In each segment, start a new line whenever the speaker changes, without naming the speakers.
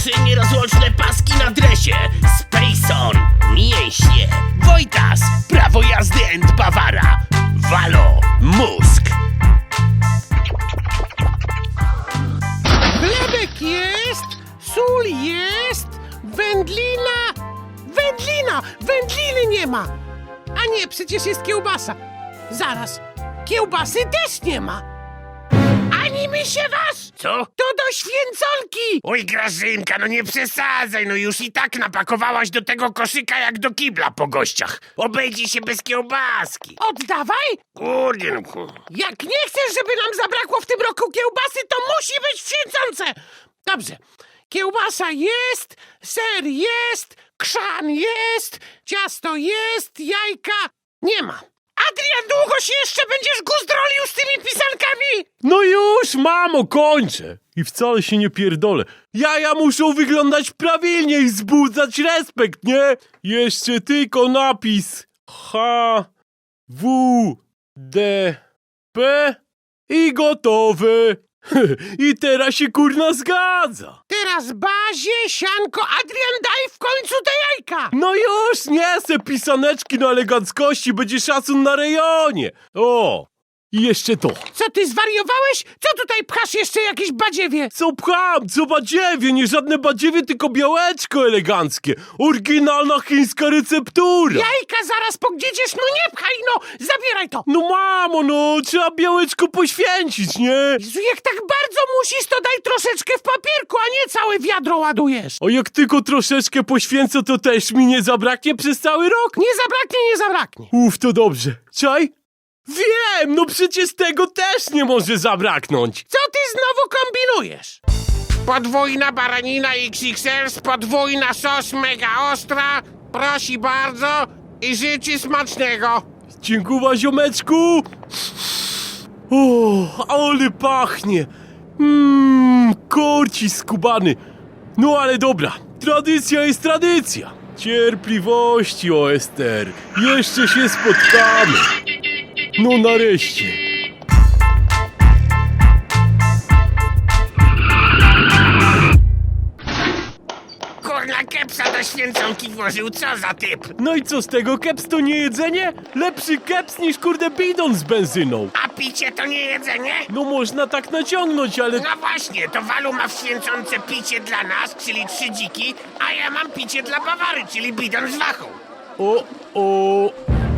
Trzy nierozłączne paski na dresie. Spacon, mięśnie. Wojtas, prawo jazdy and Bawara. Walo, mózg.
Chlebek jest, sól jest, wędlina. Wędliny nie ma. A nie, przecież jest kiełbasa. Zaraz, kiełbasy też nie ma. Ani mi się was!
Co?
To do święconki!
Oj, Grażynka, no nie przesadzaj, no już i tak napakowałaś do tego koszyka jak do kibla po gościach. Obejdzie się bez kiełbaski.
Oddawaj!
Kurde, no.
Jak nie chcesz, żeby nam zabrakło w tym roku kiełbasy, to musi być w święconce! Dobrze, kiełbasa jest, ser jest, krzan jest, ciasto jest, jajka nie ma. Adrian, długo się jeszcze będziesz guzdrolił z tymi pisankami?
No już, mamo, kończę. I wcale się nie pierdolę. Jaja muszą wyglądać prawilnie i wzbudzać respekt, nie? Jeszcze tylko napis H, W, D, P i gotowy. I teraz się kurna zgadza.
Teraz bazie, sianko, Adrian, daj w końcu te jajka!
No już, nie se pisaneczki na eleganckości, będzie szacun na rejonie. O, i jeszcze to.
Co ty zwariowałeś? Co tutaj pchasz jeszcze jakieś badziewie?
Co pcham, co badziewie, nie żadne badziewie, tylko białeczko eleganckie. Oryginalna chińska receptura.
Jajka zaraz pogdziedziesz, no nie pchaj, no! Zabieraj to!
No mamo, no, trzeba białeczko poświęcić, nie?
Jezu, jak tak bardzo musisz, to daj troszeczkę w papierku, a nie całe wiadro ładujesz.
A jak tylko troszeczkę poświęcę, to też mi nie zabraknie przez cały rok?
Nie zabraknie.
To dobrze. Czaj? Wiem, no przecież tego też nie może zabraknąć.
Co ty znowu kombinujesz?
Podwójna baranina XXL, podwójna sos mega ostra. Prosi bardzo i życzy smacznego.
Dziękuję, ziomeczku. O, ale pachnie. Korci skubany. No ale dobra, tradycja jest tradycja. Cierpliwości, o Ester. Jeszcze się spotkamy. No nareszcie.
Kurna, kepsa do święconki włożył, co za typ?
No i co z tego? Keps to nie jedzenie? Lepszy keps niż kurde bidon z benzyną.
A picie to nie jedzenie?
No można tak naciągnąć, ale...
No właśnie, to Walu ma w święconce picie dla nas, czyli 3 dziki, a ja mam picie dla Bawary, czyli bidon z wachą.
O.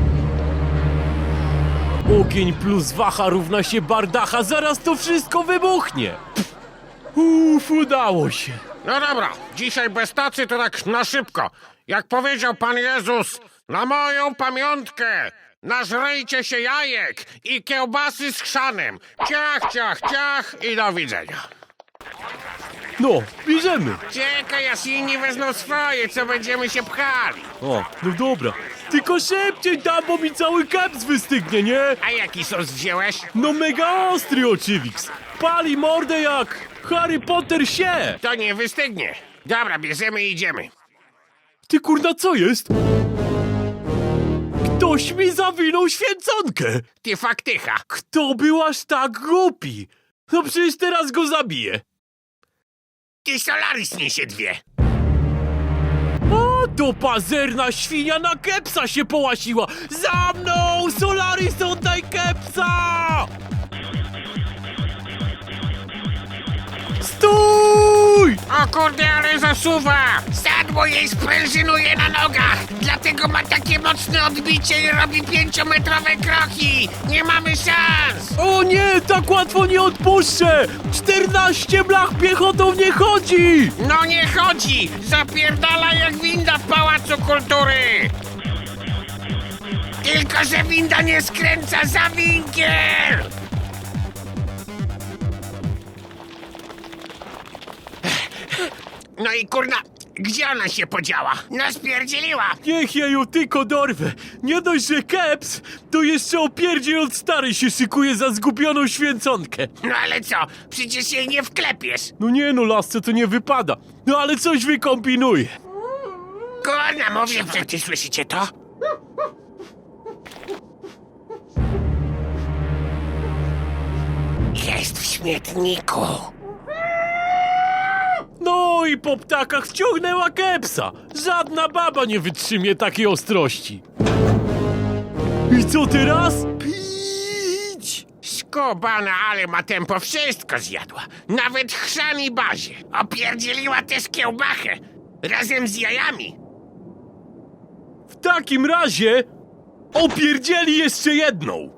Ogień plus wacha równa się bardacha, zaraz to wszystko wybuchnie. Udało się.
No dobra, dzisiaj bez tacy to tak na szybko. Jak powiedział Pan Jezus, na moją pamiątkę nażrejcie się jajek i kiełbasy z chrzanem. Ciach, ciach, ciach i do widzenia.
No, bierzemy.
Czekaj, aż inni wezmą swoje, co będziemy się pchali.
O, no dobra. Tylko szybciej tam, bo mi cały keps wystygnie, nie?
A jaki sos wziąłeś?
No mega ostry oczywiks. Pali mordę jak Harry Potter się.
To nie wystygnie. Dobra, bierzemy i idziemy.
Ty kurna, co jest? Ktoś mi zawinął święconkę.
Ty faktycha.
Kto był aż tak głupi? No przecież teraz go zabiję.
Ty Solaris niesie 2.
O, to pazerna świnia na kepsa się połasiła. Za mną! Solaris, oddaj kepsa! Stój!
O kurde, ale zasuwa!
Sadło jej sprężynuje na nogach, dlatego ma takie mocne odbicie i robi 5-metrowe kroki. Nie mamy szans.
O nie, tak łatwo nie odpuszczę! 14 blach piechotą nie chodzi!
No nie chodzi! Zapierdala jak winda w Pałacu Kultury!
Tylko że winda nie skręca za winkiel. No i kurna, gdzie ona się podziała? No spierdzieliła.
Niech ja ją tylko dorwę. Nie dość, że keps, to jeszcze opierdziel od starej się szykuje za zgubioną święconkę.
No ale co, przecież jej nie wklepiesz.
No nie no, lasce, to nie wypada. No ale coś wykombinuję.
Kurna, mówię, przecież słyszycie to? Jest w śmietniku.
No i po ptakach wciągnęła kepsa. Żadna baba nie wytrzymie takiej ostrości. I co teraz?
Pić!
Skubana, ale ma tempo, wszystko zjadła. Nawet chrzan i bazie. Opierdzieliła też kiełbachę. Razem z jajami.
W takim razie opierdzieli jeszcze jedną.